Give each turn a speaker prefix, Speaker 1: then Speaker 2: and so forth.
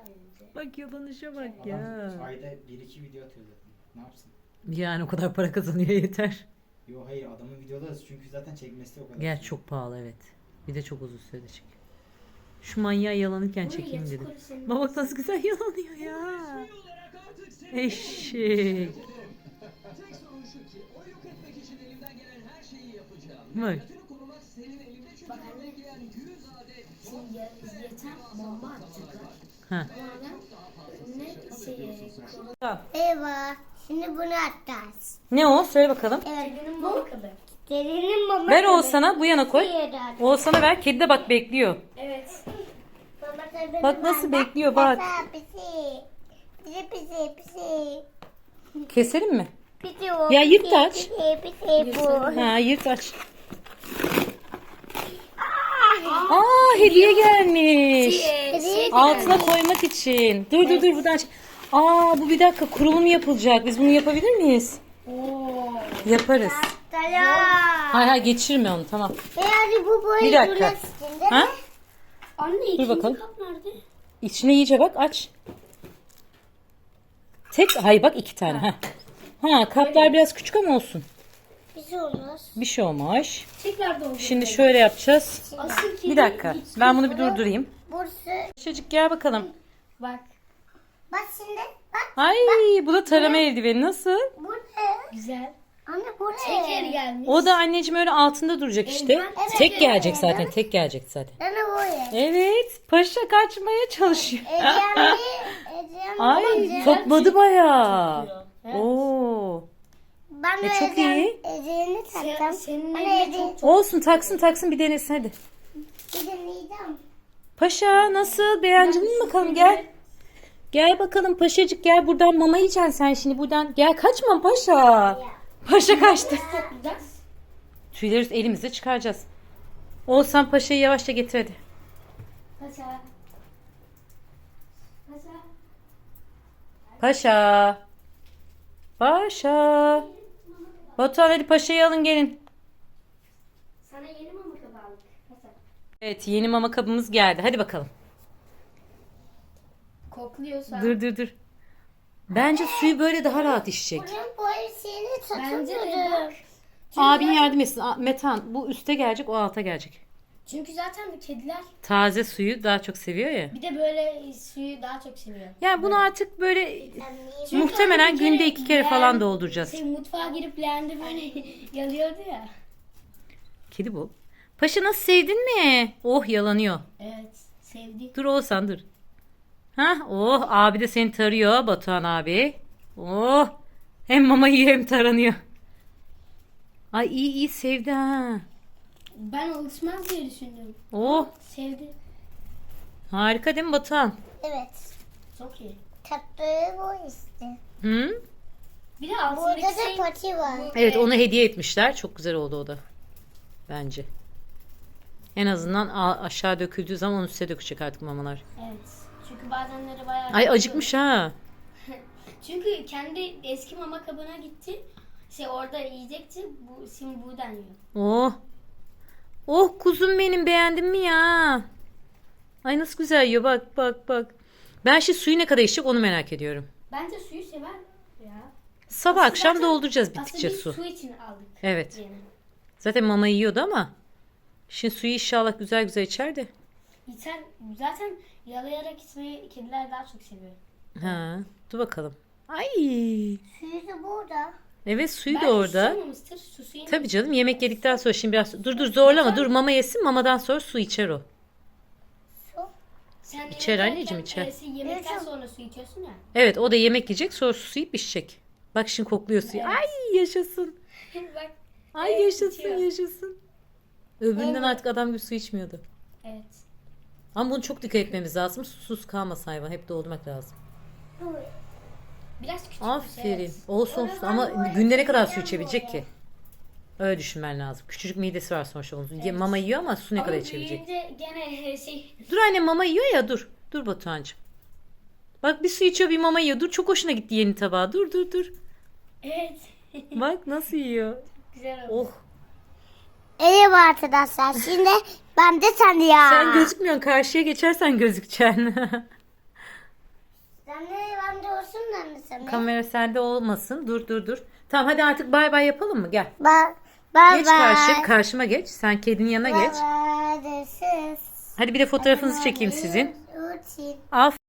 Speaker 1: Bak yalanışa bak ya.
Speaker 2: Ayda 1-2 video atıyor zaten. Ne yapsın?
Speaker 1: Yani o kadar para kazanıyor yeter.
Speaker 2: Yo hayır adamın videoları çünkü zaten çekmesi de o kadar.
Speaker 1: Gerçi çok pahalı evet. Bir de çok uzun sürede çek. Şu manyağı yalanırken çekeyim dedim. Bak nasıl güzel yalanıyor ya. Eşek.
Speaker 3: Tek sorun şu ki o yok etmek için elimden gelen her şeyi yapacağım.
Speaker 1: Bak.
Speaker 3: Hayatını korumak senin elinde çünkü bekleyen 100 adet
Speaker 4: Şimdi yeter bomba atacaklar.
Speaker 1: Ha.
Speaker 4: Ne şeyi?
Speaker 5: Merhaba. Şimdi bunu atacağız.
Speaker 1: Ne o? Söyle bakalım.
Speaker 5: Evet.
Speaker 4: Kedinin mama kabı.
Speaker 5: Derinin mama.
Speaker 1: Ver Oğuzhan'a bu yana koy.
Speaker 5: Diğeri.
Speaker 1: Oğuzhan'a ver. Kedi de bak bekliyor.
Speaker 4: Evet.
Speaker 5: Mama kabı
Speaker 1: Bak nasıl
Speaker 5: var.
Speaker 1: bekliyor bak.
Speaker 5: Pisi. Pisi pisi pisi.
Speaker 1: Keselim mi?
Speaker 5: Pisi o.
Speaker 1: Ya yırt
Speaker 5: pisi,
Speaker 1: aç.
Speaker 5: Pisi bu.
Speaker 1: Ha yırt aç. Aa hediye gelmiş. Altına koymak için. Dur buradan. Aa bu bir dakika kurulum yapılacak. Biz bunu yapabilir miyiz? Yaparız.
Speaker 5: Selam.
Speaker 1: Hayır geçirme onu tamam.
Speaker 5: Yani bu böyle
Speaker 1: Bir dakika.
Speaker 5: durmasın değil mi?
Speaker 1: Ha?
Speaker 4: Anne ikinci
Speaker 1: bakalım.
Speaker 4: kap nerede?
Speaker 1: İçine iyice bak aç. Hayır bak 2 tane. Ha kaplar biraz küçük ama olsun.
Speaker 5: Bir şey olmaz.
Speaker 1: Bir şey olmaz.
Speaker 4: Tekrar da oldu.
Speaker 1: Şimdi şöyle yapacağız.
Speaker 4: Asıl kedi
Speaker 1: Bir dakika. Ben bunu bir durdurayım.
Speaker 5: Burası.
Speaker 1: Çocuk gel bakalım.
Speaker 4: Bak.
Speaker 5: Bak şimdi. Bak.
Speaker 1: Ay bu da tarama eldiveni nasıl?
Speaker 5: Bu ne?
Speaker 4: Güzel.
Speaker 5: Anne bu ne?
Speaker 4: Şeker gelmiş.
Speaker 1: O da anneciğim öyle altında duracak işte.
Speaker 5: Evet.
Speaker 1: Tek gelecek zaten. Tek gelecek zaten.
Speaker 5: Anne bu ne?
Speaker 1: Evet. Paşa kaçmaya çalışıyor.
Speaker 5: Ecem
Speaker 1: Ay topladı bayağı.
Speaker 4: Evet.
Speaker 1: Oo.
Speaker 5: Ben de
Speaker 1: çok iyi.
Speaker 5: Ece'ni taktım.
Speaker 4: Senin
Speaker 5: Anne
Speaker 4: elinde
Speaker 5: Ece.
Speaker 4: çok
Speaker 1: Olsun taksın bir denesin hadi.
Speaker 5: Bir deneyeceğim.
Speaker 1: Paşa nasıl beğendin mi bakalım gel. Gel bakalım paşacık gel buradan mama yiyeceksin sen şimdi buradan. Gel kaçma paşa. Paşa kaçtı.
Speaker 4: toplayacağız.
Speaker 1: Tüyleri elimizle çıkaracağız. Oğuzhan paşayı yavaşça getir hadi.
Speaker 4: Paşa. Paşa.
Speaker 1: Paşa. Paşa. Batuhan hadi paşayı alın gelin.
Speaker 4: Sana yeni mama kabı aldık. Paşa.
Speaker 1: Evet yeni mama kabımız geldi. Hadi bakalım.
Speaker 4: Kokluyorsa.
Speaker 1: Dur. Bence suyu böyle daha rahat içecek.
Speaker 5: Bunun boyasını
Speaker 4: Bence de
Speaker 5: tutamıyorum.
Speaker 4: bak.
Speaker 1: Abin yardım etsin. Metan bu üste gelecek o alta gelecek.
Speaker 4: Çünkü zaten kediler
Speaker 1: Taze suyu daha çok seviyor ya.
Speaker 4: bir de böyle suyu daha çok seviyor.
Speaker 1: Yani bunu artık böyle
Speaker 5: Çünkü
Speaker 1: muhtemelen
Speaker 4: bir kere
Speaker 1: günde 2 kere falan dolduracağız.
Speaker 4: Mutfağa girip leğende böyle yalıyordu ya.
Speaker 1: Kedi bu. Paşa nasıl sevdin mi? Oh yalanıyor.
Speaker 4: Evet. Sevdi.
Speaker 1: Dur Oğuzhan dur. Hah oh abi de seni tarıyor Batuhan abi. Oh hem mama yiyor hem taranıyor. Ay iyi sevdi ha.
Speaker 4: Ben alışmaz diye düşündüm.
Speaker 1: Oh
Speaker 4: Sevdi.
Speaker 1: harika değil mi Batuhan?
Speaker 5: Evet.
Speaker 4: Çok iyi.
Speaker 5: Tatlı bu işte.
Speaker 1: Hı?
Speaker 4: Bir de
Speaker 5: Burada
Speaker 4: altındaki
Speaker 5: da
Speaker 4: şey
Speaker 5: pati var.
Speaker 1: Evet onu hediye etmişler. Çok güzel oldu o da. Bence. En azından aşağı döküldüğü zaman üste dökecek artık mamalar.
Speaker 4: Evet. Çünkü bazenleri bayağı...
Speaker 1: Ay acıkmış ha.
Speaker 4: Çünkü kendi eski mama kabına gitti. Orada yiyecekti. Şimdi buradan yiyor.
Speaker 1: Oh. Oh kuzum benim beğendin mi ya? Ay nasıl güzel yiyor bak. Ben şimdi suyu ne kadar içecek onu merak ediyorum.
Speaker 4: Bence suyu sever ya.
Speaker 1: Sabah akşam
Speaker 4: Zaten-
Speaker 1: dolduracağız bittikçe
Speaker 4: Aslında
Speaker 1: su.
Speaker 4: biz su için aldık.
Speaker 1: Evet.
Speaker 4: Yani.
Speaker 1: Zaten mama yiyordu ama. Şimdi suyu inşallah güzel içer de.
Speaker 4: Zaten yalayarak içmeyi kediler daha çok seviyor.
Speaker 1: Ha, dur bakalım. Ay.
Speaker 5: Suyu da burada.
Speaker 1: Evet suyu da
Speaker 4: Belki
Speaker 1: orada.
Speaker 4: susamamıştır. Susu yemiş.
Speaker 1: Tabii canım yemek yedikten sonra şimdi biraz dur zorlama dur mama yesin mamadan sonra su içer o.
Speaker 4: Sen
Speaker 1: İçer
Speaker 4: yemek
Speaker 1: anneciğim,
Speaker 4: yerken,
Speaker 1: içer.
Speaker 4: Yemekten sonra su içiyorsun ya.
Speaker 1: Evet o da yemek yiyecek sonra su içecek. Bak şimdi kokluyor suyu.
Speaker 4: Evet.
Speaker 1: Ay yaşasın.
Speaker 4: Bak.
Speaker 1: Ay
Speaker 4: Evet,
Speaker 1: yaşasın
Speaker 4: içiyor.
Speaker 1: yaşasın. Öbüründen artık adam gibi su içmiyordu.
Speaker 4: Evet.
Speaker 1: Ama bunu çok dikkat etmemiz lazım. Susuz kalmasın hayvan. Hep doldurmak lazım.
Speaker 4: Biraz küçük.
Speaker 1: Aferin. Olsun ama günde ne kadar su içebilecek ki? Öyle düşünmen lazım. Küçücük midesi var sonuçta onun. Mama yiyor ama su ne kadar içebilecek?
Speaker 4: Büyüyünce gene
Speaker 1: Dur anne mama yiyor ya dur. Dur Batuhan'cığım. Bak bir su içiyor bir mama yiyor. Dur çok hoşuna gitti yeni tabağı. Dur.
Speaker 4: Evet.
Speaker 1: Bak nasıl yiyor.
Speaker 4: Güzel oldu.
Speaker 1: Oh.
Speaker 5: Merhaba arkadaşlar. Şimdi ben de sen ya.
Speaker 1: Sen gözükmüyorsun. Karşıya geçersen gözükeceksin.
Speaker 5: Sen de bende olsun da mı sana?
Speaker 1: Kamera sende olmasın. Dur. Tamam hadi artık bay bay yapalım mı? Gel.
Speaker 5: Bye
Speaker 1: Geç
Speaker 5: bye.
Speaker 1: karşıma geç. Sen kedinin yanına geç.
Speaker 5: Bye bye. This is
Speaker 1: Hadi bir de fotoğrafınızı çekeyim sizin.
Speaker 5: routine.
Speaker 1: Aferin.